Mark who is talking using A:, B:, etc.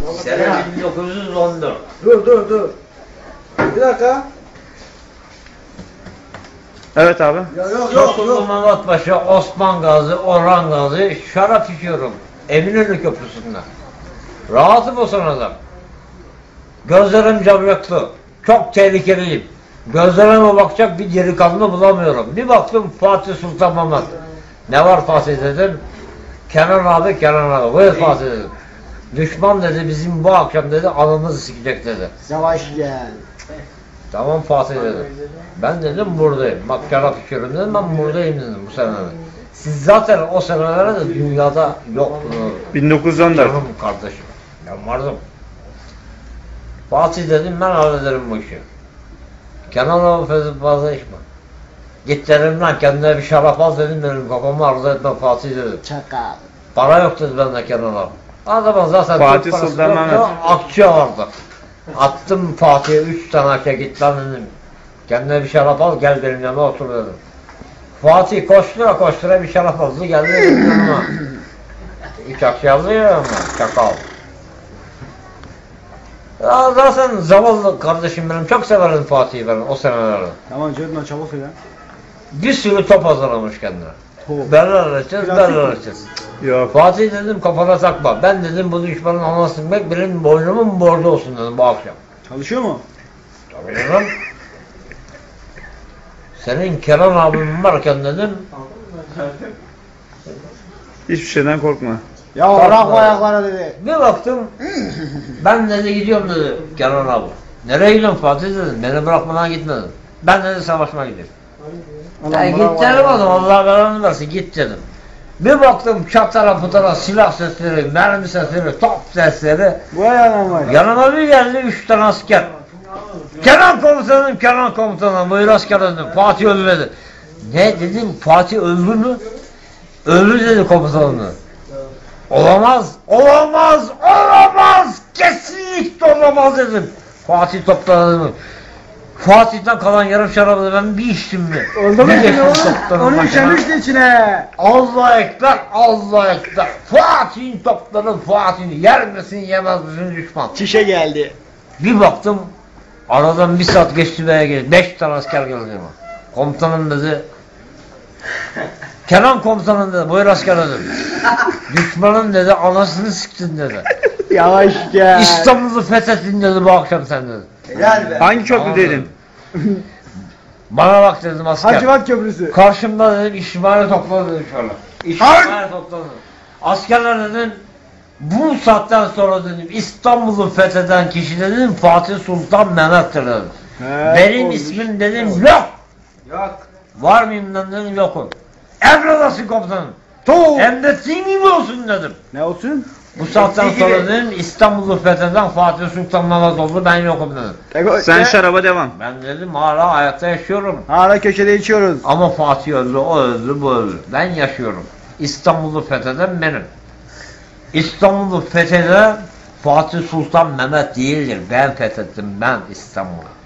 A: Sene 1914.
B: Dur. Bir dakika.
C: Evet abi.
B: Yok.
A: Tosunlu Mehmet Paşa, Osman Gazi, Orhan Gazi şarap içiyorum. Eminönü Köprüsü'nde. Rahatım o sırada. Gözlerim camyaklı. Çok tehlikeliyim. Gözlerime bakacak bir delikanlı bulamıyorum. Bir baktım Fatih Sultan Mehmet. Ne var Fatih dedim. Kenan abi. Buyur Fatih dedim. Düşman dedi bizim bu akşam dedi alnımızı sikecek dedi.
B: Yavaş gel.
A: Tamam Fatih dedim. Ben dedim buradayım. Bak şarap içiyorum dedim, ben buradayım dedim bu senelerde. Siz zaten o senelerde de dünyada yoktunuz.
C: 1914.
A: Canım kardeşim. Ben vardım. Fatih dedim ben hallederim bu işi. Kenan abi fazla içme. Git dedim lan kendine bir şarap al dedim, benim kafamı arzu etme Fatih dedim.
B: Çakal.
A: Para yok dedi bende Kenan abi. Adamın zaten
C: Fatih
A: Türk parası
C: Sultan
A: yoktu,
C: Mehmet.
A: akçe vardı. Attım Fatih'e 3 tane akçe, git lan dedim. Kendine bir şarap al gel benim yanıma otur dedim. Fatih koştura bir şarap aldı geldi benim yanıma. 3 akçe aldı ya ama çakal. Ya zaten zavallı kardeşim benim, çok severim Fatih'i ben o senelerde.
B: Tamam Cedman çabuk söyle.
A: Bir sürü top hazırlamış kendine.
B: Top.
A: Berler açacağız.
C: Yok.
A: Fatih dedim kafana takma. Ben dedim bu düşmanın anasını bek benim boynumun borcu olsun dedim bu akşam.
B: Çalışıyor mu?
A: Tabii canım. Senin Kenan abim varken dedim.
C: Hiçbir şeyden korkma.
B: Ya
A: Kalkma.
B: bırak bu ayaklara dedi.
A: Bir baktım. Ben dedi gidiyorum dedi Kenan abi. Nereye gidiyorsun Fatih dedim. Beni bırakmadan gitme dedim. Ben dedi savaşma gidiyorum. Ya git dedim oğlum, Allah belanı versin git dedim. Bir baktım çatara putara silah sesleri, mermi sesleri, top sesleri.
B: Bu ayağına var.
A: Yanıma bir geldi 3 tane asker. Kenan komutanım, buyur asker dedim. Fatih öldü dedi. Ne dedim, Fatih öldü mü? Öldü dedi komutanım. Olamaz, kesinlikle olamaz dedim. Fatih topladı. Fatih'ten kalan yarım şarabı ben bir içtim mi?
B: Oldu mu
A: Bir
B: şimdi
A: geçtim
B: oğlum?
A: toplarım
B: Onu
A: başına.
B: işemişti içine.
A: Allah ekber. Fatih'in topları Fatih'in yer misin yemez misin düşman.
B: Çişe geldi.
A: Bir baktım aradan bir saat geçti veya geldi. 5 tane asker geldi yanıma. Komutanım dedi. Kenan komutanım dedi. Buyur asker dedim. Düşmanın dedi anasını siktin dedi.
B: Yavaş gel.
A: İstanbul'u fethettin dedi bu akşam sen dedi.
B: Helal be.
C: Hangi
A: Tamam
C: köprüdeydin?
A: dedim. Bana bak dedim asker.
B: Hacivat Köprüsü.
A: Karşımda dedim İsmail'i topladı dedim şöyle. İsmail'i topladı. Askerler dedim bu saatten sonra dedim İstanbul'u fetheden kişi dedim Fatih Sultan Mehmet'tir dedim. Benim ismim dedim yok. Var mıyım dedim yokum. Emredasın komutanım. Hem de senin gibi olsun dedim.
B: Ne olsun?
A: Bu saatten sonra dedim İstanbul'u fetheden Fatih Sultan Mehmet oldu, ben yokum dedim.
C: Sen şaraba devam.
A: Ben dedim hala hayatta yaşıyorum.
B: Hala köşede içiyoruz.
A: Ama Fatih öldü, o öldü, bu öldü. Ben yaşıyorum. İstanbul'u fetheden benim. İstanbul'u fetheden Fatih Sultan Mehmet değildir. Ben fethettim, ben İstanbul'u.